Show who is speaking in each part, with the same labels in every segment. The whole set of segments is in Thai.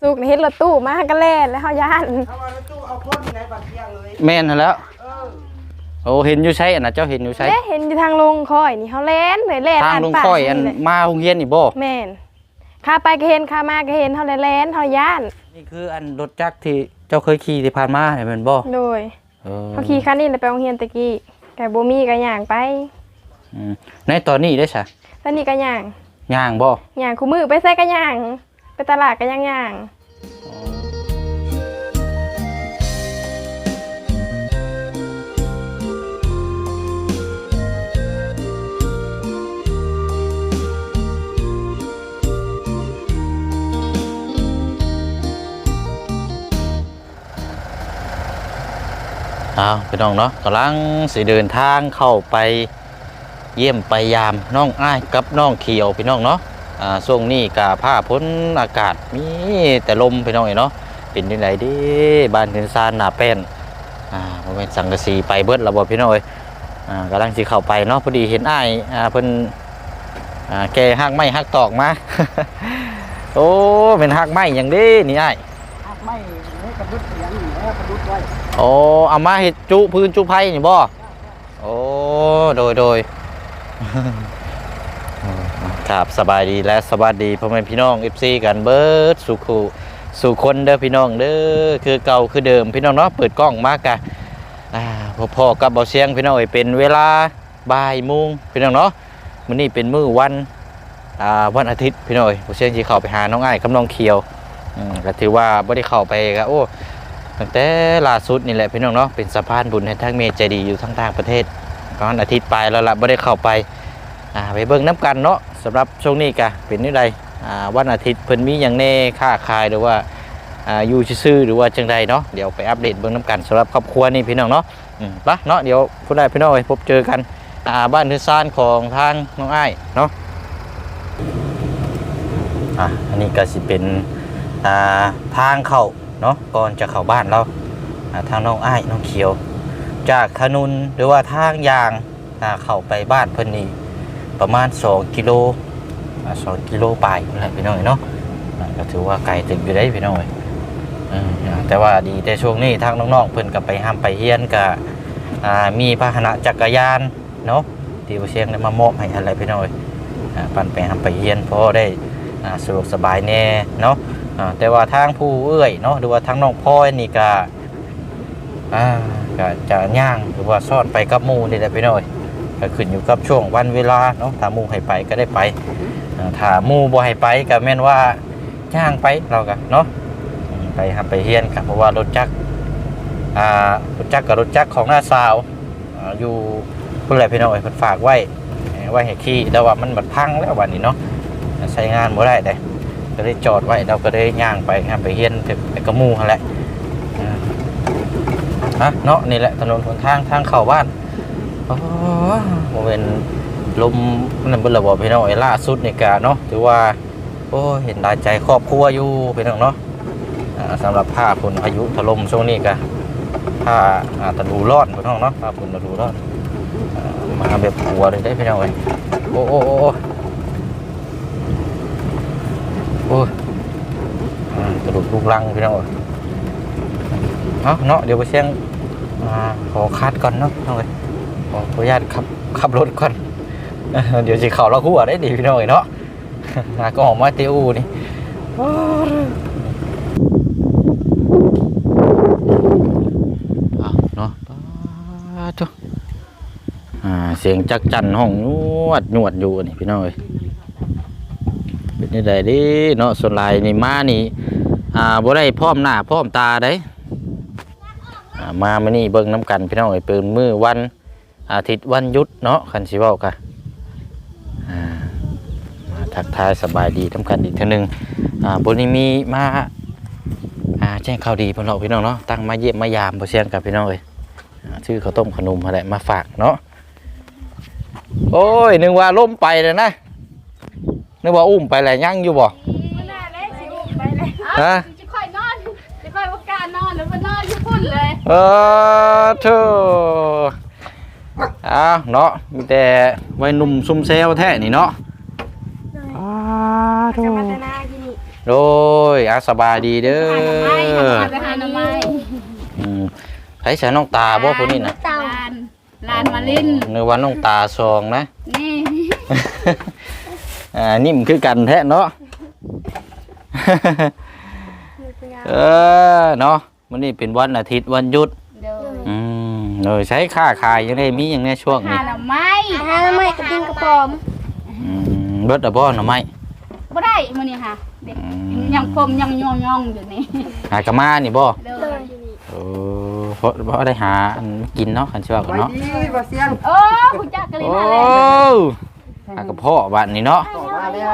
Speaker 1: สุกเฮ็ดรถตู้มาก็แล่นแล้วเฮาย่าน
Speaker 2: เอารถตู้เอาคนในบัดเที่ยงเลย
Speaker 3: แม่นแล้วโอ้เห็นอยู่ใช่อันน่ะเจ้าเห็นอยู่ใช่
Speaker 1: เห็นอยู่ทางลงคอยนี่เฮาแล่นเลยแล่น
Speaker 3: ทางลงค่อยอันมาโรงเรียนนี่บ่
Speaker 1: แม่นข้าไปก็เห็นข้ามาก็เห็นเฮาแล่นเฮาย่าน
Speaker 3: นี่คืออันรถจักรที่เจ้าเคยขี่ที่ผ่านมาเห็นมันบ่
Speaker 1: โดยเขาขี่คันนี้แล้วไปโรงเรียนตะกี้แต่บ่มีก็ย่างไป
Speaker 3: ในตอนนี้ได้ซะ
Speaker 1: ตอนนี้ก็ย่าง
Speaker 3: บ่
Speaker 1: ย่างคู่มือไปใส่ก็ย่างไปตลาดก็ย่าง
Speaker 3: พี่น้องเนาะกำลังสิเดินทางเข้าไปเยี่ยมไปยามน้องอ้ายกับน้องเขียวพี่น้องเนาะช่วงนี้กะผ้าพ้นอากาศมีแต่ลมพี่น้องเนาะเป็นยังไงดิบ้านเรือนซานหนาเป็นมันเป็นสังกะสีไปเบิดระบบพี่น้องกำลังสิเข้าไปเนาะพอดีเห็นอ้ายเพิ่นแกหักไม้หักตอกมา โอ้เป็นหักไม้อย่างนี้นี่อ้าย
Speaker 2: หักไม้กระดุดเสียงแล้วกระดุดไว้
Speaker 3: โอ้เอามาเห็ดจุพื้นจุไผ่นี่บ่โอ้โดยครับสบายดีและสวัสดีพ่อแม่พี่น้อง FC กันเบิดสู่คนเด้อพี่น้องเด้อคือเก่าคือเดิมพี่น้องเนาะเปิดกล้องมากะพ่อกับเบาเสียงพี่น้องเป็นเวลาบ่ายโมงพี่น้องเนาะมื้อนี้เป็นมื้อวันอาทิตย์พี่น้องเบาเสียงสิเข้าไปหาน้องอ้ายกับน้องเขียวก็ถือว่าบ่ได้เข้าไปก็โอ้ตั้งแต่ล่าสุดนี่แหละพี่น้องเนาะเป็นสะพานบุญให้ทั้งเมใจดีอยู่ทั้งต่างประเทศวันอาทิตย์ไปแล้วล่ะไม่ได้เข้าไปไปเบิ่งน้ำกันเนาะสำหรับช่วงนี้กะเป็นนี่ใดวันอาทิตย์เพิ่นมีอย่างแน่ค่าขายหรือว่าอยู่ซื่อหรือว่าจังใดเนาะเดี๋ยวไปอัปเดตเบิ่งน้ำกันสำหรับครอบครัวนี่พี่น้องเนาะปะเนาะเดี๋ยวผู้ใดพี่น้องไปพบเจอกันบ้านเรือนซานของทางน้องอ้ายเนาะอันนี้ก็สิเป็นทางเข้าเนาะก่อนจะเข้าบ้านเราทางน้องอ้ายน้องเขียวจากถนนหรือว่าทางยางเข้าไปบ้านเพิ่นนี่ประมาณ2 กิโลไปอะไรพี่น้อยเนาะก็ถือว่าไกลถึงอยู่ได้พี่น้อยแต่ว่าดีแต่ช่วงนี้ทางน้องๆเพิ่นกับไปห้ามไปเฮียนกับมีพาหนะจักรยานเนาะที่เชียงได้มามอบให้อะไรพี่น้อยปั่นไปห้ามไปเฮียนเพราะได้สะดวกสบายแน่เนาะแต่ว่าทางผู้เอื้อยเนาะหรือว่าทางน้องพ่อยนี่ก็จะย่างหรือว่าซ่อนไปกับหมู่นี่แหละพี่น้อยก็ขึ้นอยู่กับช่วงวันเวลาเนาะถ้าหมู่ให้ไปก็ได้ไปถ้าหมู่บ่ให้ไปก็แม่นว่าย่างไปเราก็เนาะไปหับไปเฮียนกับเพราะว่ารถจักรกับรถจักรของน้าสาวอยู่พุ่นแหละพี่น้อยเพิ่นฝากไว้ให้ขี่แต่ว่ามันบัดพังแล้ววันนี้เนาะใช้งานบ่ได้เด้ก็ได้จอดไว้เราก็ได้ย่างไปหับไปเฮียนไปกับหมู่นั่นแหละเนาะนี่แหละถนนหนทางเข้าบ้านโมเมนลมนั่นเป็นระบบพี่น้องล่าสุดในกาเนาะถือว่าโอ้เห็นได้ใจครอบครัวอยู่พี่น้องเนาะสำหรับผ้าฝนพายุถล่มช่วงนี้ก็ผ้าตะลูรอดพี่น้องเนาะผ้าฝนตะลูรอดมาแบบหัวเลยได้พี่น้องเลยโอ้ตะลุลูกลังพี่น้องเนาะเดี๋ยวไปเชียงขอคัดก่อนเนาะน้องเลยขออนุญาตขับรถก่อนเดี๋ยวจะเข่าเราคู่ได้ดีพี่น้องเนาะก็ออกมาเตี้ยอูนี่เนาะจ้าเสียงจักจั่นห้องนวดอยู่นี่พี่น้องเลยเป็นยังไงดิเนาะส่วนลายนี่มานี่บ่ได้พร้อมหน้าพร้อมตาได้มานี่เบิ่งน้ำกันพี่น้องเอ้ยเป็นมื้อวันอาทิตย์วันหยุดเนาะคันสิเว้ากันมาทักทายสบายดีทำกันอีกเท่านึงบนนี้มีมาแจ้งข่าวดีพี่น้องเนาะตั้งมาเยี่ยมมายามบ่เชียงกับพี่น้องเอ้ยชื่อข้าวต้มขนมอะไรมาฝากเนาะโอ้ยนึกว่าล้มไปเลยนะนึกว่าอุ้มไปแล้วยังอยู่บ่ฮะ
Speaker 1: นอนหรือว่านอนญี่ปุ่นเลย
Speaker 3: เธอเนาะมีแต่วัยหนุ่มซุ่มเซลแท้นี่เนาะ
Speaker 1: จะมาแต่นากิน
Speaker 3: โดยอาสบายดีเด้อ
Speaker 4: ไปหาหน่อไม้
Speaker 3: ไผใช้น้องตาบ่ผู้นี้น่ะ
Speaker 4: ลานมาลิน
Speaker 3: นึกว่าน้องตาซองนะ
Speaker 4: นี่
Speaker 3: นิ่มคือกันแท้เนาะ เนาะมื้อนี้เป็นวันอาทิตย์วันหยุด
Speaker 4: เด้อ
Speaker 3: เลยใช้ค่าขายยังได้มีอย่างในช่วง
Speaker 4: หา
Speaker 3: นี้
Speaker 4: หน่อไม้
Speaker 1: หาหน่อไม้กับกินกระป๋อม
Speaker 3: เบิดอะบ่หน่อไม้
Speaker 4: บ่ได้มื้อนี้ค่ะเด็กยังคมยังย่องๆอยู่นี่
Speaker 3: หากะมานี่บ่
Speaker 4: เด้อ
Speaker 3: เพราะได้หาอันกินเนาะคันสิว่ากัน
Speaker 2: ไว้
Speaker 3: เนาะ
Speaker 2: ดีบ่เสียง
Speaker 4: โอ้คุณจักกะลิ
Speaker 3: โอ้
Speaker 4: มาแล้ว
Speaker 3: หากะเพาะบัดนี้เนาะ
Speaker 2: ต่อมาแล้ว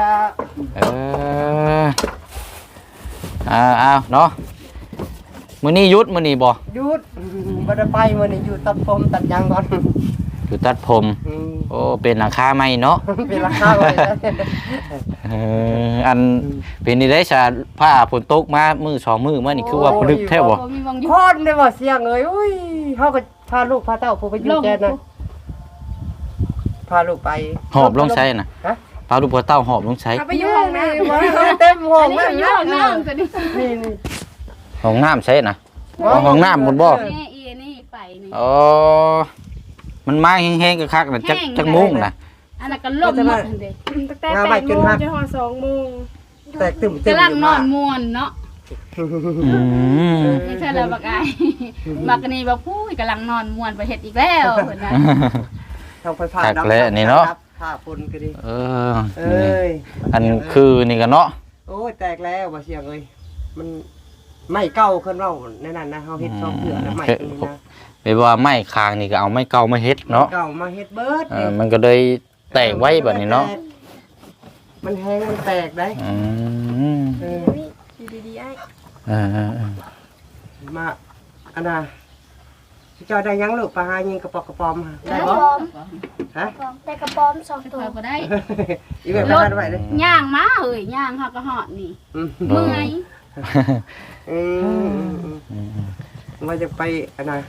Speaker 3: เอาเนาะมื้อนี้หยุดมื้อนี้บ่
Speaker 2: หยุดบ่ได้ไปมื้อนี้อยู่ตัดผมตัดหยังก่อน
Speaker 3: อยู่ตัดผม
Speaker 2: อืม
Speaker 3: โอ้เป็นหลังคาใหม่เนาะ
Speaker 2: เป็นราคาไว้แล้ว
Speaker 3: อันเป็นนี่ได้ชาผ้าฝนตกมามือสองมือมานี่คือว่าปลึกแท้บ่
Speaker 4: บ่มีวงอยู่
Speaker 2: คนได้บ่เสียงเอ้ยอุ้ยเฮาก็พาลูกพาเต้าผู้ไปอยู่แกนน่ะพาลูกไป
Speaker 3: หอบลงใช้น่ะ
Speaker 2: ฮะ
Speaker 3: พาลูกพ่อเต้าหอบลงใช้
Speaker 1: เอาไปอยู่ห้องน้ำ
Speaker 2: เต็มห้อ
Speaker 4: อั
Speaker 2: ง
Speaker 4: นนี้อยู่ห้องน้ำตัวนี้
Speaker 2: นี่
Speaker 3: ห้องน้ำใช้น่ะ ห้องน้ำบนบ่
Speaker 4: นี่อีนี่ไปนี่
Speaker 3: อ๋อมันมาแห้งๆคักๆน่ะจักมุ้งน่ะ
Speaker 4: อันนั้นก็ล่มหมดเด้
Speaker 1: ตั้งแต่8 โมงจนฮอด2 โมง
Speaker 2: แตกตึม
Speaker 4: กำลังนอนม่วนเนาะ
Speaker 3: อืม
Speaker 4: นี่ใช่แล้วบักอายบักนี่บ่พูดกำลังนอนม่วนไปเฮ็ดอีกแล้วเพิ่นว่า
Speaker 2: ทางไฟฟ้า
Speaker 3: คักแล้วนี่เนาะ
Speaker 2: ผ้าฝุ่นก็ดี
Speaker 3: เออ
Speaker 2: เอ้ย
Speaker 3: อันคือนี่ก็เนาะ
Speaker 2: โอ้ยแตกแล้วบ่เสียงเอ้ยมันไม่เก่าขึ้นเว้าในนั้นนะเฮาเฮ็ด2เดือนแล้วใหม่ตรงนี้นะ
Speaker 3: แปลว่าไม้คางนี่ก็เอาไม้เก่ามาเฮ็ดเนาะ
Speaker 2: เก่ามาเฮ็ดเบิด
Speaker 3: มันก็เลยแตกไว้แบบนี้เนาะ
Speaker 2: มันแห้งมันแตกได้
Speaker 3: อืม
Speaker 2: เออ
Speaker 1: อยู่ดีๆไอ้
Speaker 2: มาอันน่ะเจ้าได้ยังลูกปลาหายิงกระปอกกระปอมมาได้บ่ฮะ
Speaker 1: แต่กระป๋อม2 ตัว
Speaker 4: ไปบ่ได้
Speaker 2: อีเวนต์ไปหาไว้เลย
Speaker 4: ย่างมาเอ้ยย่างเฮาก็ฮอดนี่
Speaker 2: อืม
Speaker 4: เมื่อย
Speaker 2: อืมว่าจะไปอันน่ะ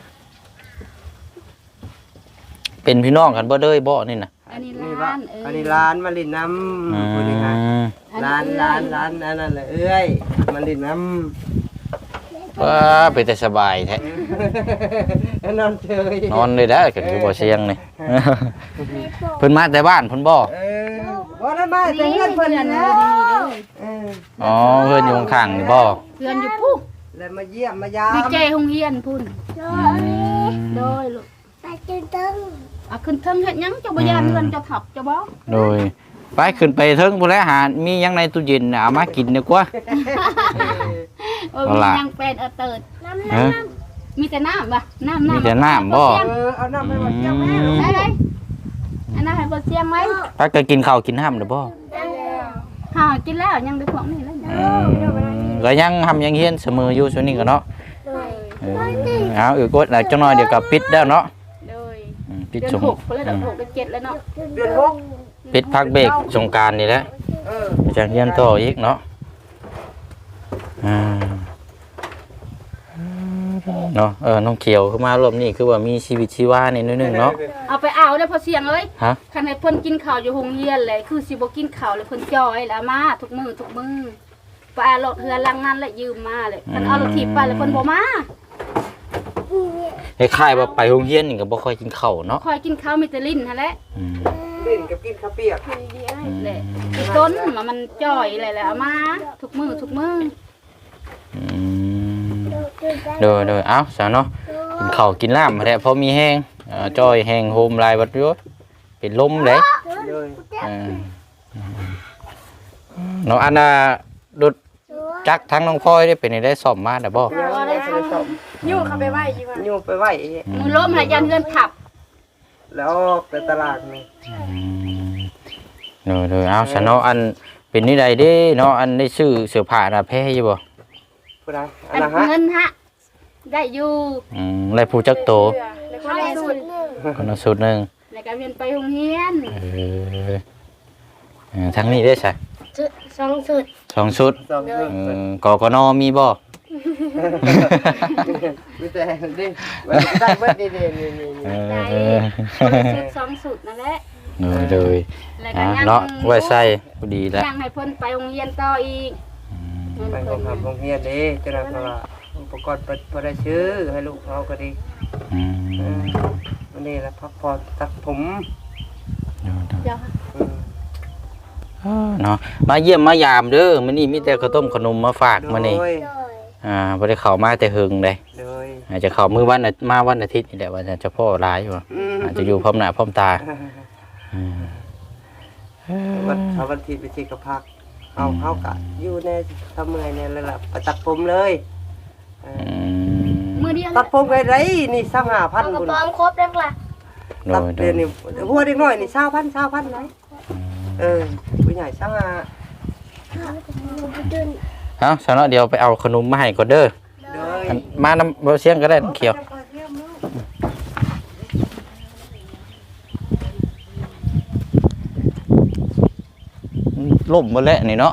Speaker 3: เป็นพี่น้องกันบ่เด้ยบ่นี่น่ะ
Speaker 4: อันนี้
Speaker 2: นี่
Speaker 4: ร้า
Speaker 2: ว่าน
Speaker 4: เอ้ย
Speaker 2: อันนี้ร้านมาลินน้ำพูดง่ายๆร้านอันนั้นแหละเอ้ยมาลินน้ำ
Speaker 3: ว้าเป็นแต่สบายแท้
Speaker 2: นอนเฉย
Speaker 3: นอนเลยได้ก็คือบ่เสียงนี่ เพิ่นมาแต่บ้านเพิ่นบ่
Speaker 2: ว่าได้มาแต่เงินเพิ่น
Speaker 4: เดือน
Speaker 2: นะ
Speaker 4: เดือนนี้เด้อ
Speaker 3: อ๋อเพิ่นอยู่ข้างๆนี่บ่
Speaker 4: เดือนอยู่ปุ๊บ
Speaker 2: แล้วมาเยี่ยมมายาม
Speaker 4: ดีเจโรงเรียนพุ่น โดยลูก
Speaker 1: ไปกินตึ้ง
Speaker 4: เอาขึ้นเทิงเฮ็ดหยังเจ้าบ่ยานเงินเจ้าถับเจ้าบ่
Speaker 3: โดยไปขึ้นไปเทิงพุ่นแล้วหามีหยังในตู้เย็นน่ะเอามากินดีกว่า
Speaker 4: เออมีหยังเป็นเติด
Speaker 3: ฮะ
Speaker 4: มีแต่น้ำบ่น้ำ
Speaker 3: มีแต่น้ำบ่
Speaker 2: เอาน้ำให้มาเยี่ยมแม่
Speaker 4: ได้เลยอันนั้นให้บ่เสียงไหม
Speaker 3: ถ้าก็กินข้าวกินห้ำหรือบ่
Speaker 4: หากินแล้วยังได้พวกนี้แล้วเนี่ย
Speaker 3: ก็ยังทำยังเฮียนเสมออยู่ช่วงนี้ก็เนาะเอาอีกกดแล้วจังหน่อยเดี๋ยวก็ปิดแล้วเนาะ
Speaker 4: เลย
Speaker 3: ปิด
Speaker 4: เดือน
Speaker 3: สง
Speaker 4: 6ไปแล้วเดือน6เดือน7แล้วเนาะ
Speaker 2: เดือนหก
Speaker 3: ปิดพักเบรกสงกรานต์นี่แหละ จะเรียนต่ออีกเนาะเนาะน้องเขียวขึ้นมารอบนี้คือว่ามีชีวิตชีวาในนิดนึงเนาะ
Speaker 4: เอาไปเอาได้อพอเสียงเอ้ย
Speaker 3: ฮะ
Speaker 4: คันให้เพิ่นกินข้าวอยู่โรงเรียนเลยคือสิบ่กินข้าวเลยเพิ่นจอยแล้วมาทุกมื้อไปเอารถเฮือลังนั้นแหละยืมมาเลยคันเอารถถีบไปแล้วเพิ่นบ่มา
Speaker 3: คล้ายๆว่าไปโรงเรียนนี่ก็บ่ค่อยกินข้าวเนาะ
Speaker 4: คอยกินข้าวมีแต่ลิ้นหั่นแหละ
Speaker 2: ลิ้นกับกินข้าวเปียก
Speaker 4: แหละอีต้นมันจ่อยอะไรแล้วเอามาทุกมื้อ
Speaker 3: โดยเอ้าซะเนาะกินข้าวกินน้ำแท้พอมีแห้งจ้อยแห้งโฮมลายบัดอยู่เป็นลมเด้
Speaker 2: เลย
Speaker 3: เนาะอันน่ะรถจักรทั้งน้องพลอยได้เป็นได้ซ่อมมาได้บ่
Speaker 2: ได้สม
Speaker 1: ยู่เข้าไปไหว้ดีกว่า
Speaker 2: ยูไปไหว
Speaker 4: มือล้มหายันเฮือนขับ
Speaker 2: แล้วไปตลาดนี่
Speaker 3: โดยเอาซะเนาะอันเป็นนี่ใดเด้เนาะอันได้ซื้อเสื้อผ้าน่ะแพ้อยู่บ่
Speaker 2: ผู้ใดอั
Speaker 4: อั
Speaker 2: น
Speaker 4: น
Speaker 2: นะฮะ
Speaker 4: เงินฮะได้อยู่
Speaker 3: แล้วผู้จักโต
Speaker 1: แล้วก็ได้สูตร
Speaker 3: คนละสุดหนึง
Speaker 4: แล้วก็เรียนไปโรงเรียน
Speaker 3: ทั้งนี้ได้ใช่
Speaker 1: 2 สูตร
Speaker 3: สองชุด
Speaker 2: สองชุด
Speaker 3: กกนมีบ่
Speaker 2: มีแต่ดิได้เบิดนี่
Speaker 4: ได้ชุด2สุดนั่นแหละ
Speaker 3: เลย
Speaker 4: แล้วก็ยัง
Speaker 3: เนาะไว้ใส่พอดีแล้ว
Speaker 4: ยังให้เพิ่นไปโรงเรียนต่ออีก
Speaker 2: ไปโรงโรงเรียนเด้จังนั้นเพราะว่าอุปกรณ์บ่ได้ซื้อให้ลูกเขาก็ดี วันนี้ละพักผ่อนตัดผม
Speaker 4: เดี๋ยว
Speaker 3: เนาะมาเยี่ยมมายามเด้อมื้อนี้มีแต่ข้าวต้มขนมมาฝากมื้อนี้
Speaker 2: โดย
Speaker 3: บ่ได้เข้ามาแต่หึงเลย
Speaker 2: โดย
Speaker 3: อาจจะเข้ามื้อวันมาวันอาทิตย์นี่แหละว่าจะพ่อหลายอยู่อาจจะอยู่พร้อมหน้าพร้อมตา
Speaker 2: วันที่ไปที่กระพักเอากะอยู่ในทำเมื่อยเนี่ยเลยล่ะไปตัดผมเลยตัดผมไปไรนี่25,000
Speaker 5: กระ
Speaker 2: บุญ
Speaker 5: ป๋อมครบแล้วล่ะ
Speaker 2: ตัดเดือนนี่หัวเด็กน้อยนี่20,000ไหนผู้ใหญ่25,000
Speaker 3: เอาสนอเดี๋ยวไปเอาขนมมาให้ก่อนเด้อ
Speaker 2: เลย
Speaker 3: มาน้ำบ่เสียงก็ได้น้ำเขียวล่มหมดแล้วนี่เนาะ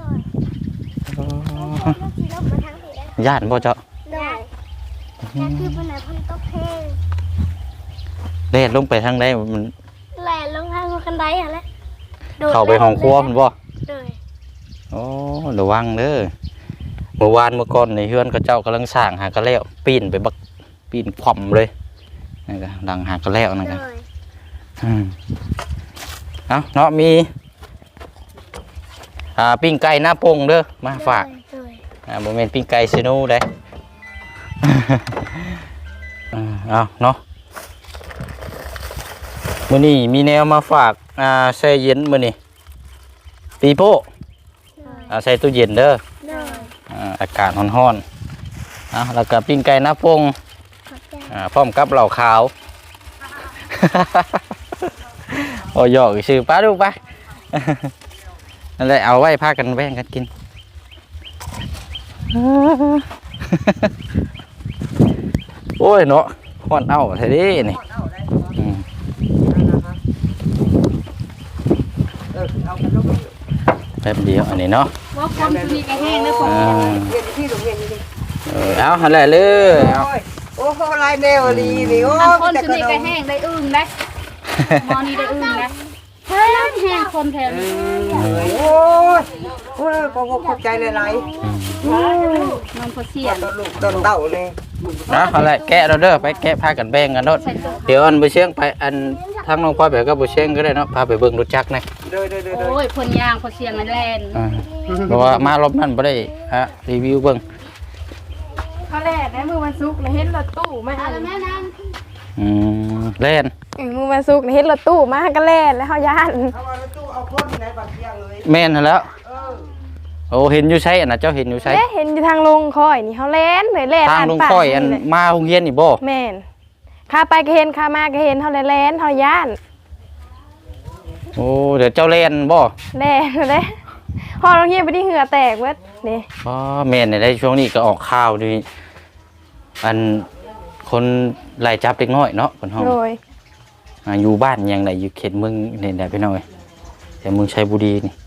Speaker 3: ย่านบ่เจ้า
Speaker 5: ได้แต่คือปัญหาพันตกเพลง
Speaker 3: เล่นลงไปทางใดมัน
Speaker 5: แหล่ลงทางคันไดอะไร
Speaker 3: เข้าไปห้องครัวมันบ่
Speaker 5: เลย
Speaker 3: โอ้ระวังเด้อเมื่อวานเมื่อก่อนในเฮือนก็เจ้ากำลังสร้างหากระแล้วปีนไปบักปีนคว่ำเลยนั่นก็ดังหากระแล้วนั่น
Speaker 5: เล
Speaker 3: ก็
Speaker 5: ย
Speaker 3: เอาเนาะมีปิ้งไก่หน้าปงเด้อมาฝาก
Speaker 5: เลย
Speaker 3: บ่แม่นปิ้งไก่ซิโนูได้ เอาเนาะมื้อนี้มีแนวมาฝากแช่เย็นมื้อนี้ปีโป้ใส่ตู้เย็นเด้อ
Speaker 5: เลย
Speaker 3: อากาศร้อนๆแล้วก็ปิ้งไก่หน้าปง
Speaker 5: ขอบใจ
Speaker 3: พร้อมกับเหล่าขาว โอ้ยอกชื่อป้าดูไป นั่นแหละเอาไว้พากันแบ่งกันกิน โอ้ยเนาะฮ้อนเอาแท้ดินี่อืม
Speaker 2: เอากันลูก
Speaker 3: แป๊บเดียวอันนี้เนาะ
Speaker 4: ว่าความสุนีก็แห้งนะผม
Speaker 2: เรียนที่โรงเรียนนี่
Speaker 3: เอาหั่นแหละเลยเอา
Speaker 2: โอ้โหลายแนวดีนี่โอ้
Speaker 4: คนสุนีก็แห้งได้อึ้งได้มอนี่ได้อึ้งได้แห้งคนแถวนี้
Speaker 2: โอ้ยโอ้ยขอบใจหลาย
Speaker 4: มันพอเสียน
Speaker 2: ๆลูกต้นเต่านี่
Speaker 3: เอาหั่นแหละแกะเราเด้อไปแกะพากันแบ่งกันเนาะเดี๋ยวอันไปเชียงไปอันทางน้องพ่อแบบก็ไปเชียงก็ได้เนาะพาไปเบิ่งรถจักรนะ
Speaker 2: เด้อ
Speaker 4: โอ้ยพ่นยางพอเสียงมันแลน
Speaker 3: เพราะว่ามารอบนั้นบ่ได้รีวิวเบิ่ง
Speaker 1: เขาแล่นนะมือวันศุกร์เห็นรถตู้มา
Speaker 4: อะไรแม่นั่น
Speaker 3: เล่น
Speaker 1: มือวันศุกร์เห็นรถตู้มาก็แล่นแล้วเขาย่าน
Speaker 2: เอามาตู้เอาคนไหนบัดเที่ยงเลย
Speaker 3: แม่นหั่นแล้วโอ้เห็นอยู่ใช้อันน่ะเจ้าเห็นอยู่ใช้
Speaker 1: เห็นอยู่ทางลงคอยนี่เขาแล่นเลยแล่น
Speaker 3: ทางลงค่อยอันมาโรงเรียนนี่บ่
Speaker 1: แม่นข้าไปก็เห็นข้ามาก็เห็นเขาแล่นเขาย่าน
Speaker 3: โอ้เดี๋ยวเจ้าเล่นบ่
Speaker 1: แล่นเลยพอเราเงียบไปที่เหงื่อแตกเว้ยนี่
Speaker 3: อ๋อแม่นได้ช่วงนี้ก็ออกข่าวดีอันคนไล่จับเด็กน้อยเนาะเพิ่นเฮา
Speaker 1: โดย
Speaker 3: อยู่บ้านยังได้อยู่เขตเมืองนี่ได้พี่น้อยแต่เมืองชัยบุรีนี่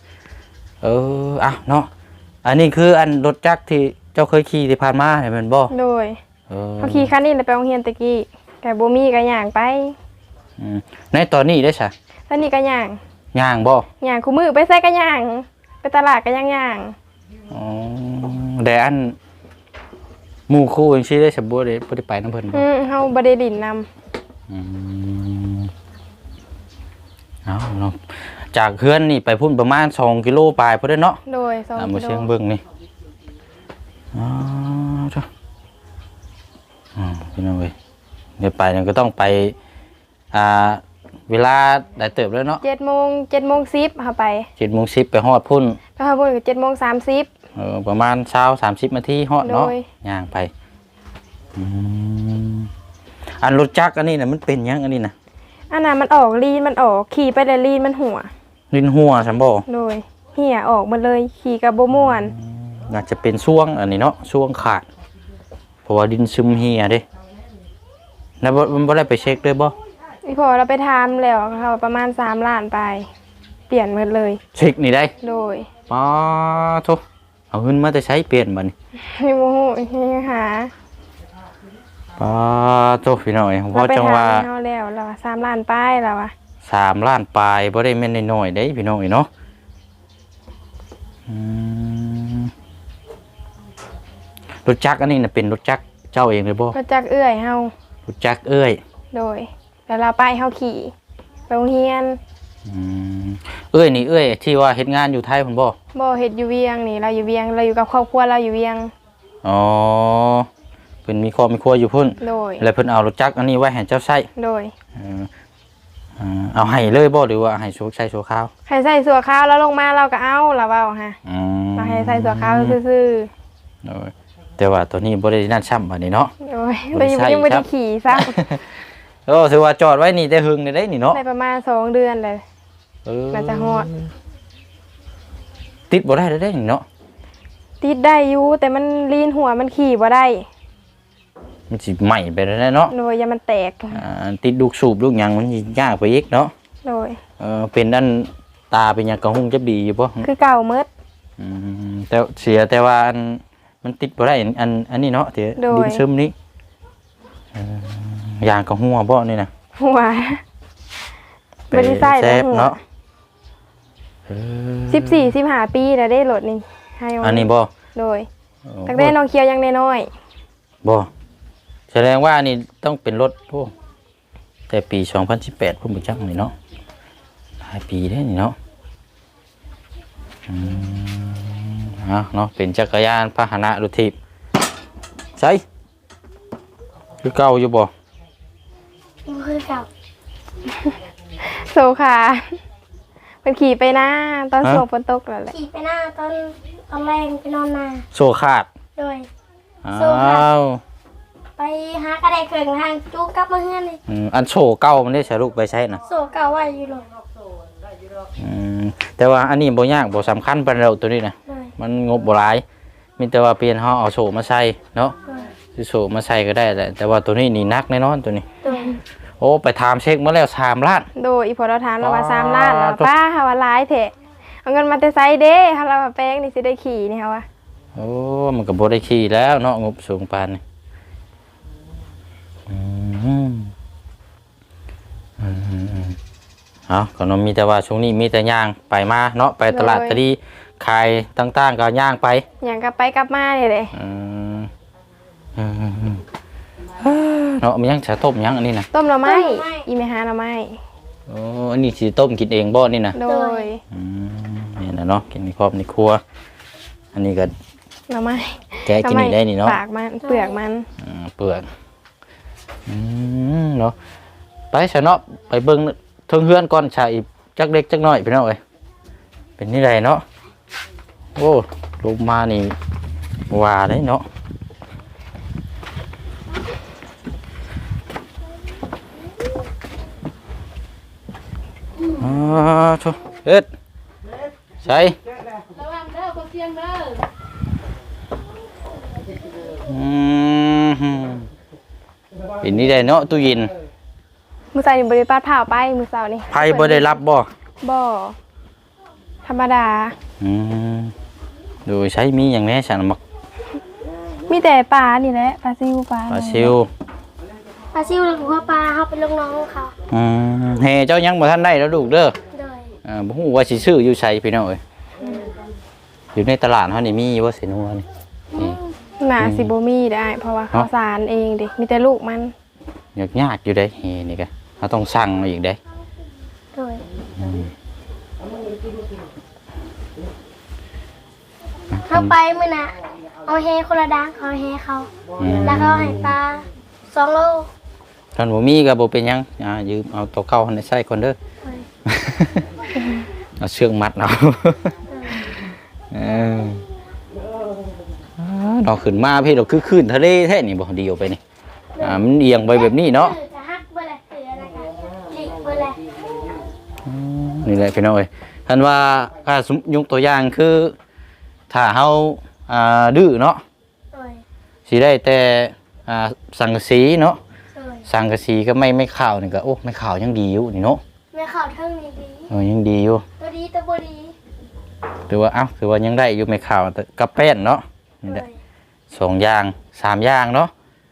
Speaker 3: เนาะอันนี้คืออันรถจักรที่เจ้าเคยขี่ที่ผ่านมาเนี่ยแม่นบ่
Speaker 1: โดยเขาขี่คันนี้เลยไปโรงเรียนตะกี้แต่บ่มีก็ย่างไป
Speaker 3: ในตอนนี้ได้ซะ
Speaker 1: ตอนนี้ก็ย่าง
Speaker 3: ย่างบ่
Speaker 1: ย่างคู่มือไปใส่ก็ย่าง ไปตลาดก็ย่าง
Speaker 3: อ๋อแต่อันหมู่คู่จังซี่ได้สมบูรณ์บ่ได้ไปนำเพิ่นบ่
Speaker 1: เฮาบ่ได้ดินนำ
Speaker 3: เอาเนาะจากเฮือนนี่ไปพุ่นประมาณ2กิโลปลายพุ่นเด้อเนาะ
Speaker 1: โดย2
Speaker 3: มา
Speaker 1: กิ
Speaker 3: เชียง
Speaker 1: โล
Speaker 3: เบิ่งนี่อ๋อจ้ะพี่น้องเว้ยเดี๋ยวไปเนี่ยก็ต้องไปเวลาได้เติบแล้วเนาะ
Speaker 1: 7:10 เฮาไป
Speaker 3: 7:10ไปฮอดพุ่น
Speaker 1: ไปฮอดพุ่นก็7:30
Speaker 3: ประมาณ20-30นาทีฮอดเนาะ
Speaker 1: โดย
Speaker 3: ย่างไปอันรถจักรอันนี้น่ะมันเป็นหยังอันนี้น่ะ
Speaker 1: อันน่ะมันออกลีนมันออกขี่ไปแล้วลีนมันหัว
Speaker 3: ลิ้นหัวซั่นบ่
Speaker 1: โดยเหี่ยออกหมดเลยขี่ก็บ่ม่วน
Speaker 3: น่าจะเป็นช่วงอันนี้เนาะช่วงขาดเพราะว่าดินซึมเหี่ยเด้แล้วมันบ่ได้ไปเช็คด้วยบ่
Speaker 1: อีพอเราไปทำแล้วเขาประมาณ3ล้านไป เปลี่ยนหมดเลย
Speaker 3: เช็คนี่ได้
Speaker 1: โดย
Speaker 3: ป้าโธ่เอาเงินมาแต่ใช้เปลี่ยนบัดนี้
Speaker 1: ให้โมโหให้หา
Speaker 3: ป้าโธ่พี่น้อยผมว่าจังว่า
Speaker 1: เรไปทำให้เขาแล้วเรา3ล้านไปแล้วอะ
Speaker 3: 3 ล้านปลายบ่ได้แม่นน้อยๆเด้พี่น้อยเนาะรถจักรอันนี้น่ะเป็นรถจักรเจ้าเองเลยบ่
Speaker 1: ก็จักเอื้อยเฮาร
Speaker 3: ถจักรเอ้ย
Speaker 1: โดยแล้วเราไปเฮาขี่ไปโรงเรียน
Speaker 3: อืมเอ้ยนี่เอ้ยที่ว่าเฮ็ดงานอยู่ไทยพุ่นบ่
Speaker 1: บ่เฮ็ดอยู่เวียงนี่เราอยู่เวียงเราอยู่กับครอบครัวเราอยู่เวียง
Speaker 3: อ๋อเพิ่นมีครอบมีครัวอยู่พุ่น
Speaker 1: โดย
Speaker 3: แล้วเพิ่นเอารถจักรอันนี้ไว้ให้เจ้าใช้
Speaker 1: โดย
Speaker 3: เอาให้เลยบ่หรือว่าให้โชคใช้โชว์ข้าว
Speaker 1: ให้ใส่สัวข้าวแล้วลงมาเราก็เอาเราเว้าฮะ
Speaker 3: อืม
Speaker 1: เราให้ใส่สัวข้าวซื่อ
Speaker 3: โอ้ยแต่ว่าตัวนี้บ่ได้นั่นซ้ำบัดนี้เนาะ
Speaker 1: ๆโดยเรายังบ่ได้ขี่ซ้ำ
Speaker 3: โอ้ถือว่าจอดไว้นี่แต่หึงได้นี่เนาะ
Speaker 1: ได้ประมาณ2 เดือนเลย น่าจะฮอด
Speaker 3: ติดบ่ได้ได้นี่เนาะ
Speaker 1: ติดได้อยู่แต่มันลีนหัวมันขี่บ่ได้
Speaker 3: มันสิใหม่ไปแล้วเนาะ
Speaker 1: โดยอย่ามันแตก
Speaker 3: ติดลูกสูบลูกหยังมันสิยากไปอีกเนาะ
Speaker 1: โดย
Speaker 3: เป็นด้านตาเป็นหยังกระหุ่งจะดีอยู่บ่
Speaker 1: คือเก่าเมด
Speaker 3: แต่เสียแต่ว่าอันมันติดบ่ได้อันนี้เนาะที่
Speaker 1: โดย
Speaker 3: ดินซึมนี้ยางกระหัวบ่นี่นะ
Speaker 1: หัวบ่ได้ใส่
Speaker 3: แซ่
Speaker 1: แล้ว
Speaker 3: บ
Speaker 1: หัว
Speaker 3: เนาะ
Speaker 1: 14-15 ปีแล้วได้รถนี่ให้เอา
Speaker 3: อันนี้บ่
Speaker 1: โดยตั้งแต่น้องเคียวยังน้อย
Speaker 3: บ่แสดงว่านี่ต้องเป็นรถโอ้แต่ปี2018พุ่นบ่จักนี่เนาะหลายปีได้นี่เนาะเนาะเป็นจักรยานพาหนะรถถีบใช่คือเก่าอยู่บ่
Speaker 5: คือเก่า
Speaker 1: ๆโซขาเป็นขี่ไปหน้าตอนฝนตกแล้วแหละ
Speaker 5: ขี่ไปหน้าตอนแรงไปนอนนา
Speaker 3: โซขาด
Speaker 5: โดย
Speaker 3: อ้า
Speaker 5: โซ่ขาด
Speaker 3: ว
Speaker 5: ไปหากระไดเกิงทางจูงกลับมาเฮือนเลย
Speaker 3: อันโซเก่ามันได้ใช้ลูกไปใช้นะ
Speaker 5: โซ่เก่าไว้อยู่เลย
Speaker 3: แต่ว่าอันนี้บ่ยากบ่สำคัญปานเราตัวนี้นะ
Speaker 5: โดย
Speaker 3: มันงบบ่หลายมีแต่ว่าเปลี่ยนเฮาเอาโซมาใส่เนาะ
Speaker 5: โดย
Speaker 3: สิโซมาใส่ก็ได้แหละแต่ว่าตัวนี้นี่หนักแน่นอนตัวนี้
Speaker 5: โดย
Speaker 3: โอ้ไปถามเช็คมาแล้ว3ล้าน
Speaker 1: โดยอีพอเราถามเราว่า3 ล้านแล้ว
Speaker 3: อ๋อ
Speaker 1: ป้าเฮาว่าหลายแท้เอาเงินมาแต่ไสเด้เฮาเราว่าแป้งนี่สิได้ขี่นี่เฮาว่า
Speaker 3: โอ้มันก็บ่ได้ขี่แล้วเนาะงบสูงปานนี้เอาก็นมีแต่ว่าช่วงนี้มีแต่ย่างไปมาเนาะไปตลาดตะดีขายต่างๆก็ย่างไป
Speaker 1: หยังกลับไปกลับมานี่แหละ
Speaker 3: เนาะมันยังจะต้มยังอันนี้นะ
Speaker 1: ต้มหน่อไม้อีแม่หาหน่อไม้
Speaker 3: โอ้อันนี้สิต้มกินเองบ่นี่นะ
Speaker 1: โดย
Speaker 3: นี่นะเนาะกินในครอบในครัว อันนี้ก็
Speaker 1: หน่อไม้
Speaker 3: แกะกินนี่ได้นี่เนาะ
Speaker 1: ปากมันเปลือกมัน
Speaker 3: เปลือกเนาะไปซะเนาะไปเบิ่งเทิงเฮือนก่อนชาอีกจักเล็กจักน้อยพี่น้องเอ้ยเป็นนี่ไรเนาะโอ้ลงมานี่ว่าได้เนาะโชเอ็ดใช่
Speaker 4: ระวังเด้อคนเสียงเด้อ
Speaker 3: เป็นนี่ได้เนาะตู้เย็น
Speaker 1: มื้อเช้านี่บ่ได้ปาดผ้าไปมื้อเช้านี่
Speaker 3: ไพ่บ่ได้รับบ่
Speaker 1: บ่ธรรมดา
Speaker 3: ดูใช้มีอย่างนี้ฉันมัก
Speaker 1: มีแต่ปลานี่แหละปลาซิวปลา
Speaker 3: ปลาซิว
Speaker 5: ปลาซิวหรือหัวปลาเขาเป็นลูกน้องของเขา
Speaker 3: เฮเจ้ายังบ่ทันได้แล้วลูกเด้อ
Speaker 5: โดย
Speaker 3: บ่ฮู้ว่าสิซื้ออยู่ไสพี่น้องเอ้ยอยู่ในตลาดเฮานี่มีบ่สินัวนี่
Speaker 1: น่าสิบ่มีได้เพราะว่าข้าวสารเองดิมีแต่ลูกมัน
Speaker 3: ยากอยู่เด้เฮนี่ก็เฮาต้องสั่งมาอีกเด้
Speaker 5: โดยเขาไปมื้อน่ะเอาเฮคนละดังเขาเฮเขา แล้วเขาให้ปลา2 โล
Speaker 3: ท่านบ่มีก็บ่เป็นหยังยืมเอาตัวเก่าให้ใส่ก่อนเด้อ เอาเชือกมัดเอาเราขึ้นมาพี่เราคือขึ้นทะเลแท้นี่บ่ดีออกไปนี่มันเอียงไปแบบนี้เนาะ
Speaker 5: จะฮักเบ่ล่ะเสืออะไรกันลิเบ่ล่ะ
Speaker 3: นี่แหละพี่น้องเอ้ยท่านว่าสมยกตัวอย่างคือถ้าเฮาดื้อเนาะ
Speaker 5: โดย
Speaker 3: สิได้แต่สังกะสีเนาะ
Speaker 5: โดย
Speaker 3: สังกะสีก็ไม่ข่าวนี่ก็โอ้ไม่ข่าวยังดีอยู่นี่เนาะ
Speaker 5: แม่ข่าวเท่านี้ดี
Speaker 3: ยังดีอยู่
Speaker 5: ตัวดีตัวบ่ดี
Speaker 3: ถือว่าถือว่ายังได้อยู่ไม่ข่าวแต่กับแป้นเนาะนี่
Speaker 5: โด
Speaker 3: แหละ
Speaker 5: ย
Speaker 3: 2อย่าง3อย่างเนาะ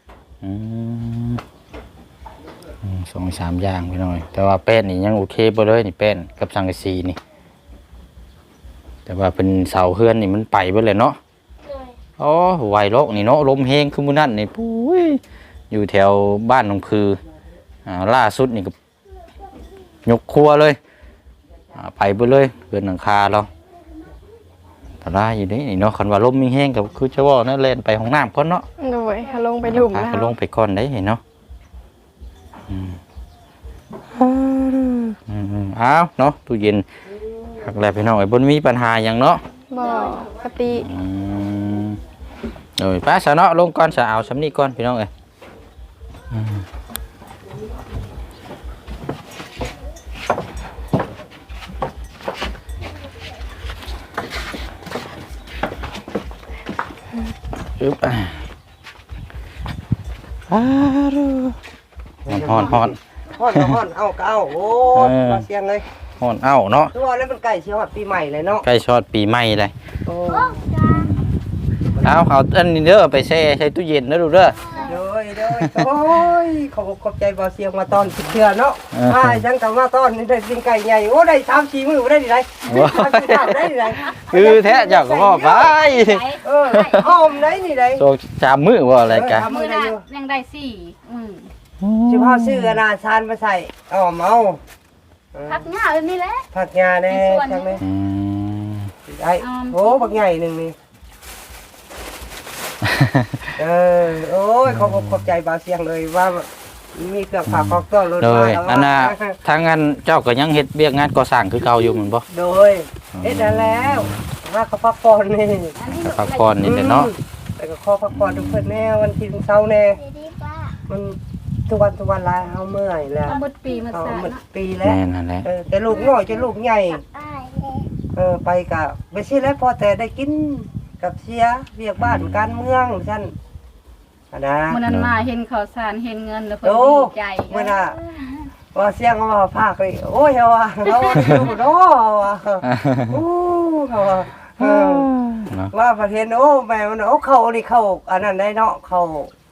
Speaker 3: 2-3อย่างพี่น้อยแต่ว่าแป้นนี่ยังโอเคบ่เลยนี่แป้นกับสังกะสีนี่แต่ว่าเป็นเสาเฮือนนี่มันไปเบิดเลยเนาะ
Speaker 5: โดย
Speaker 3: โอ้ไหวโลกนี่เนาะลมแฮงคือมื้อนั้นนี่ปุ้ยอยู่แถวบ้านหนองคือล่าสุดนี่ก็ยกครัวเลยไปเลยเกินหลังคาเราแต่ได้อยู่นี่เนาะคันว่าลมมีแห้งก็คือจะว่านั่นเล่นไปห้องน้ำก่อนเนาะ
Speaker 1: โดยเขาลงไปหลุมแล้ว
Speaker 3: ก็ลงไปก่อนได้เห็นเนาะอ้าวเนาะตู้เย็นหักแล้วพี่น้องไอ้บนมีปัญหาอย่างเนาะ
Speaker 1: บ่ปกติ
Speaker 3: โดยป้าสะเนาะลงก่อนสะเอาสำนีก่อนพี่น้องเอ้ยอึ๊บฮ้อน
Speaker 2: เอาก็เอาโอ้มาเสียงเลย
Speaker 3: ฮ้อนเอ้าเนาะ
Speaker 2: ตัวแล้วมันใกล้สิฮอดปีใหม่เลยเนาะ
Speaker 3: ใกล้ชอดปีใหม่เลย
Speaker 2: โอ้
Speaker 3: เอาอันนี้เด้อไปแช่ใส่ตู้เย็นนะดูเด้อ
Speaker 2: เลยโอ้ยขอบใจบ่เสียงมาตอนสิเทื่อเนาะจังก็มาตอนนี่ได้กินไก่ใหญ่โอ้ได้3-4มื้อได้ดิไดได้ดิได
Speaker 3: คือแท้เจ้าก็บ่ไป
Speaker 2: หอมได้นี่ได้
Speaker 3: โซจามมือว่าอะไรกัน
Speaker 4: มื้อน่ะยังได้4
Speaker 2: สิพาซื้ออนาชานมาใส่อ้อมเอา
Speaker 4: พักหน้าแบบนี้แหละ
Speaker 2: ผักงาแน่จังเลยไอ้โอ้บักใหญ่นึงนี่โอ้ยขอบใจบ่เสียงเลยว่ามีเครื่องฝากของต้อนรถ
Speaker 3: โด
Speaker 2: มาย
Speaker 3: อันน่ะทางงานเจ้าก็ยังเฮ็ดเวียกงานก่อสร้างคือเก่าอยู่เหมือนบ่
Speaker 2: โดยแล้วว่าเขาพักผ่อนนี่
Speaker 3: พักผ่อนนี่แหละเนาะ
Speaker 2: แต่ก็ขอพักผ่อนทุกเพิ่นแน่วันที่เช้าแน่มันทุกวันลายเฮาเมื่อยแล้ว
Speaker 4: เอาหมดปีมาซะ
Speaker 2: หมด
Speaker 4: เนาะ
Speaker 2: ปีแล้ว
Speaker 3: แม่นั่นแหละ
Speaker 2: แต่ลูกน้อยจนลูกใหญ่ไปกับไม่ใช่แล้วพอแต่ได้กินกับเสียเวียกบ้านการเมืองฉันนะ
Speaker 4: มื้อนั้นมาเห็นข้าวสารเห็นเงินแล้วเพิ่น
Speaker 2: โอ้
Speaker 4: ดีใจ
Speaker 2: เมื่อน่ะว่าเสียงมาภาคเลยโอ้ยว่าเราดูเนาะว่าโอ้ว่าประเทศโอ้แม่มันโอ้เขานี่เขาอันนั้นได้เนาะเขา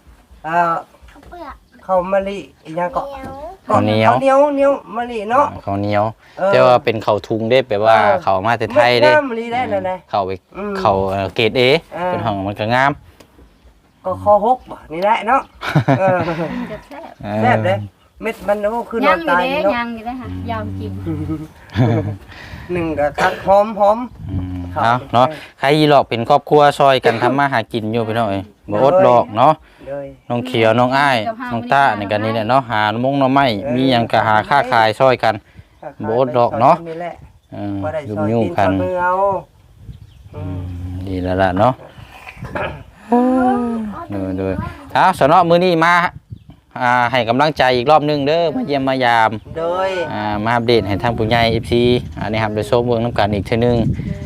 Speaker 2: เขามะลิอีหยังก็
Speaker 3: ข้าวเหนียว
Speaker 2: เหนียวมะลิเนาะ
Speaker 3: ข้าวเหนียวแต่ว่าเป็นข้าวทุงเด้แปลว่าข้าวมาแต่ไทยเด้
Speaker 2: มะลิได้นั่นแหละ
Speaker 3: เข้าไปเข้าเกรด A เป็นห้องมันก็งาม
Speaker 2: ก็คอหกนี่แหละเนาะ
Speaker 4: จะแซ่บ
Speaker 2: แซ่บเลยเม็ดมันโอ้คือน
Speaker 4: ยั
Speaker 2: อง น
Speaker 4: อยู่
Speaker 2: ตาย
Speaker 4: เด้
Speaker 2: เนาะ
Speaker 4: ยังอยู่เด้ค่ะยาวจริง
Speaker 2: หนึ่งก็คักหอม
Speaker 3: เอาเนาะใครยีหลอกเป็นครอบครัวซอยกันทำมาหากินอยู่พี่น้องเอ้ยบ่อดดอกเนาะ
Speaker 2: เลย
Speaker 3: น้องเขียวน้องอ้ายน้องต้าในกันนี้แหละเนาะหาหน่อไม้มีหยังก็หาค่าขายซอยกัน โบดดอกเนาะ
Speaker 2: นี่แหละ
Speaker 3: ยุ่
Speaker 2: ยุ่
Speaker 3: ง
Speaker 2: ง
Speaker 3: ยุ่ง
Speaker 2: ๆ
Speaker 3: กัน
Speaker 2: มือเอา
Speaker 3: ดีแล้วล่ะเนาะดูเอาสนอมื้อนี้มาให้กำลังใจอีกรอบนึงเด้อมาเยี่ยมมายาม
Speaker 2: โดย
Speaker 3: มาอัปเดตให้ทางผู้ใหญ่ FC อันนี้ครับได้ชมเบิ่งน้ำกันอีกเทื่อนึง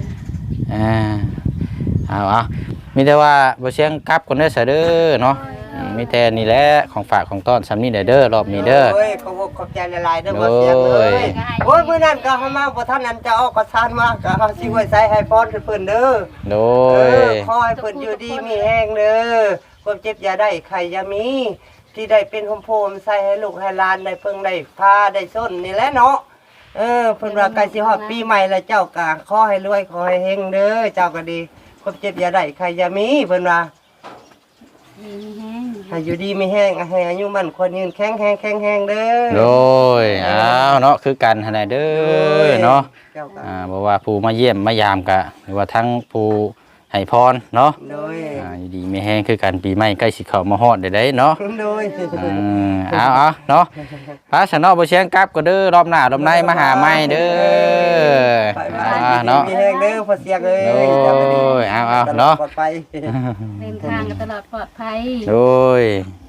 Speaker 3: เอามีแต่ว่าบ่เสียงกลับคนเด้อซะเด้อเนาะมีแต่นี่แหละของฝากของต้อนสำนี้เด้อรอบนี้เด้อ
Speaker 2: โอ้ยขอบใจหลายๆเด้อบ่เสียงเลยโอ้ยมื้อนั้นก็เฮามาบ่ทันนั้นจะออกกระสานมาก็เฮาสิไว้ใส่ให้พรเพิ่นเด้อ
Speaker 3: โดย
Speaker 2: ขอให้เพิ่นอยู่ดีมีแห้งเด้อความเจ็บอย่าได้ใครอย่ามีที่ได้เป็นโฮมใส่ให้ลูกให้หลานได้เพิ่งได้พาได้ส้นนี่แหละเนาะเพิ่นว่าใกล้สิฮอดปีใหม่แล้วเจ้าก็ขอให้รวยขอให้เฮงเด้อเจ้าก็ดีความเจ็บอย่าได้ใครอย่ามีเพิ่นว่า
Speaker 4: มีแห้ง
Speaker 2: ให้อยู่ดีมีแห้งให้อายุมั่นคนยืนแข็งแรงเด้อ
Speaker 3: โดยเนาะคือกันหั่นแหละเด้อเนาะ
Speaker 2: เจ้าก็
Speaker 3: บ่ว่าผู้มาเยี่ยมมายามกะหรือว่าทั้งผู้ให้พรเนาะ
Speaker 2: โดย
Speaker 3: อยู่ดีไม่แห้งคือกันปีใหม่ใกล้สิเข้ามาฮอดได้เนาะ
Speaker 2: โดย
Speaker 3: เอาเนาะพระสนอบ่เชียงกลับก็เด้อรอบหน้ารอบในมาหาใหม่เด้อ
Speaker 2: เนาะ
Speaker 3: เนาะ
Speaker 2: มีแห้งเด้อพอเสียงเอ้ย
Speaker 3: โอ้ยเอาเนาะ
Speaker 2: ปลอดภัย
Speaker 4: เดินทางกันตลอดปลอดภัย
Speaker 3: โดย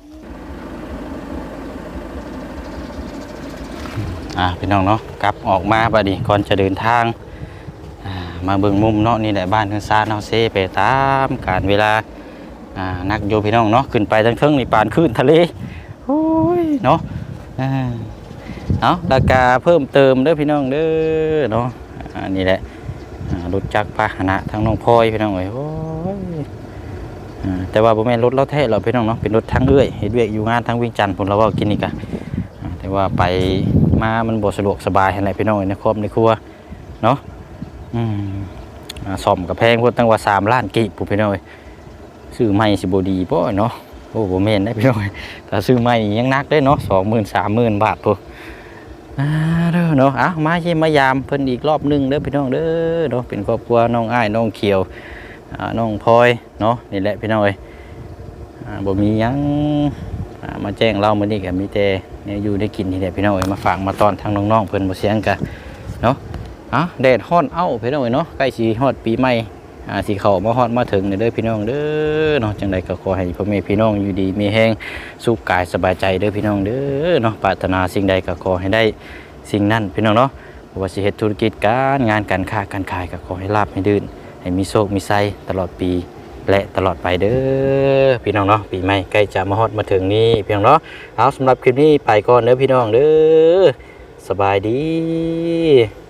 Speaker 3: พี่น้องเนาะกลับออกมาบัดนี้ก่อนจะเดินทางมาเบิ่งมุมเนาะนี่แหละบ้านเฮือนซานเฮาเซไปตามกาลเวลานักโยพี่น้องเนาะขึ้นไปทั้งเทิงนี่ปานขึ้นทะเลโอ้ยเนาะเอาราคาเพิ่มเติมเด้อพี่น้องเด้อเนาะนี่แหละรถจักรพาหนะทั้งน้องพลอยพี่น้องเอ้ยโอ้ยแต่ว่าบ่แม่นรถเราแท้เราพี่น้องเนาะเป็นรถทั้งเอื้อยเฮ็ดเวียกอยู่งานทั้งวิ่งจันทน์พุ่นเราเว้ากินนี่กะแต่ว่าไปมามันบ่สะดวกสบายหั่นแหละพี่น้องในครอบในครัวเนาะซ่อมกับแพงพุ่นตั้งว่า3 ล้านกีบพุ่นพี่น้องเอ้ยซื้อใหม่สิบ่ดีบ่เนาะโอ้บ่แม่นได้พี่น้องถ้าซื้อใหม่ยังหนักได้เนาะ 20,000 30,000 บาทพุ่นเด้อเนาะมาเยี่ยมมายามเพิ่นอีกรอบนึงเด้อพี่น้องเด้อเนาะเป็นครอบครัวน้องอ้ายน้องเขียวน้องพลอยเนาะนี่แหละพี่น้องเอ้ยบ่มีหยังมาแจ้งเรามื้อนี้ก็มีแต่เนี่ยอยู่ได้กินนี่แหละพี่น้องเอ้ยมาฝากมาตอนทางน้องๆเพิ่นบ่เสียงกันเนาะแดดฮ้อนเอ้าพี่น้องเอ้ยเนาะใกล้สิฮอดปีใหม่สิเข้ามาฮอดมาถึงเด้อพี่น้องเด้อเนาะจังไดก็ขอให้พ่อแม่พี่น้องอยู่ดีมีแรงสุขกายสบายใจเด้อพี่น้องเด้อเนาะปรารถนาสิ่งใดก็ขอให้ได้สิ่งนั้นพี่น้องเนาะบ่ว่าสิเฮ็ดธุรกิจการงานการค้าการขายก็ขอให้ราบให้รื่นให้มีโชคมีชัยตลอดปีและตลอดไปเด้อพี่น้องเนาะปีใหม่ใกล้จะมาฮอดมาถึงนี้พี่น้องเนาะเอาสำหรับคลิปนี้ไปก่อนเด้อพี่น้องเด้อสบายดี